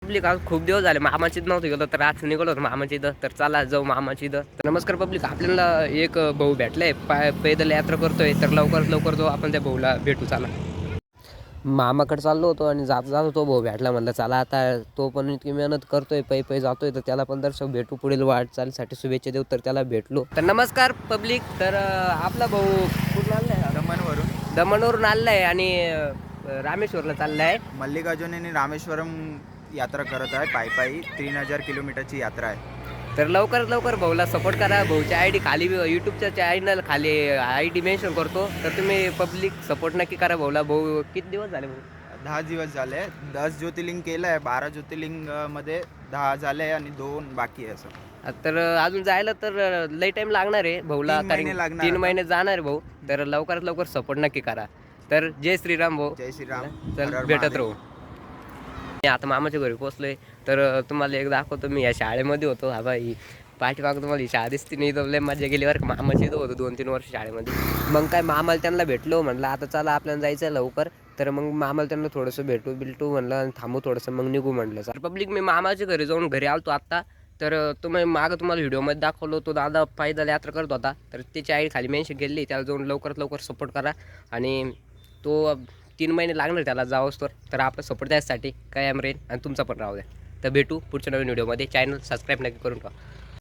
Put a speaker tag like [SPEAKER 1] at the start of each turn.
[SPEAKER 1] Public, आज खूप दिवस झाले मामाची नव्हतं गेलो, तर आज निघालो होतो मामाची इथं. तर चला जाऊ मामाची इथं. तर नमस्कार पब्लिक, आपल्याला एक भाऊ भेटलाय, पैदल यात्रा करतोय. तर लवकरात लवकर जाऊ आपण त्या भाऊला भेटू. चला मामाकडे चाललो होतो आणि जात जात होतो भाऊ भेटला, म्हणलं चला आता तो पण इतकी मेहनत करतोय, पै जातोय, तर त्याला पण दर्शक भेटू, पुढील वाटचालीसाठी शुभेच्छा देऊ. तर त्याला भेटलो. तर नमस्कार पब्लिक, तर आपला भाऊ कुठून आलाय? दमणवरून आलाय आणि रामेश्वरला चाललाय.
[SPEAKER 2] मल्लिकार्जुन आणि रामेश्वरम यात्रा करत आहे. पायी 3000 किलोमीटरची यात्रा आहे.
[SPEAKER 1] तर लवकरात लवकर भाऊला सपोर्ट करा. भाऊच्या आय डी खाली, यूट्यूबच्या चॅनल खाली आय डी मेन्शन करतो. तर तुम्ही पब्लिक सपोर्ट नक्की करा भाऊला. भाऊ किती दिवस झाले भाऊ?
[SPEAKER 2] 10 दिवस झाले. 10 ज्योतिर्लिंग केलं आहे. 12 ज्योतिर्लिंगमध्ये 10 झाले आणि 2 बाकी आहे. असं
[SPEAKER 1] तर अजून जायला तर लई टाईम लागणार आहे भाऊला,
[SPEAKER 2] 3 महिने लागणार.
[SPEAKER 1] 3 महिने जाणार आहे भाऊ. तर लवकरात लवकर सपोर्ट नक्की करा. तर जय श्रीराम भाऊ.
[SPEAKER 2] जय श्रीराम.
[SPEAKER 1] चल
[SPEAKER 2] हर हर
[SPEAKER 1] भेटत
[SPEAKER 2] महादेव.
[SPEAKER 1] राहू. मी आता मामाच्या घरी पोचलोय. तर तुम्हाला एक दाखवतो. मी या शाळेमध्ये होतो. हा बाई पाठीमाग तुम्हाला ही शाळा दिसते नाही, तर लय मजा गेली बरं. मामाची इथं होतो 2-3 वर्ष शाळेमध्ये. मग काय मामाला त्यांना भेटलो, म्हणलं आता चला आपल्याला जायचं आहे लवकर. तर मग मामाला त्यांना थोडंसं भेटू म्हणलं आणि थांबू थोडंसं, मग निघू म्हटलं. सर पब्लिक, मी मामाच्या घरी जाऊन घरी आलतो आत्ता. तर तुम्हाला व्हिडिओमध्ये दाखवलो, तो दादा पैदल यात्रा करत होता. तर त्याची आई खाली मेन्शन केली, त्याला जाऊन लवकरात लवकर सपोर्ट करा. आणि तो 3 महिने लागणार त्याला जावंच. तर आपला सपोर्ट द्यायसाठी कायम राहील आणि तुमचा पण राहू द्या. तर भेटू पुढच्या नवीन व्हिडिओमध्ये. चॅनल सबस्क्राईब नक्की करून ठेवा.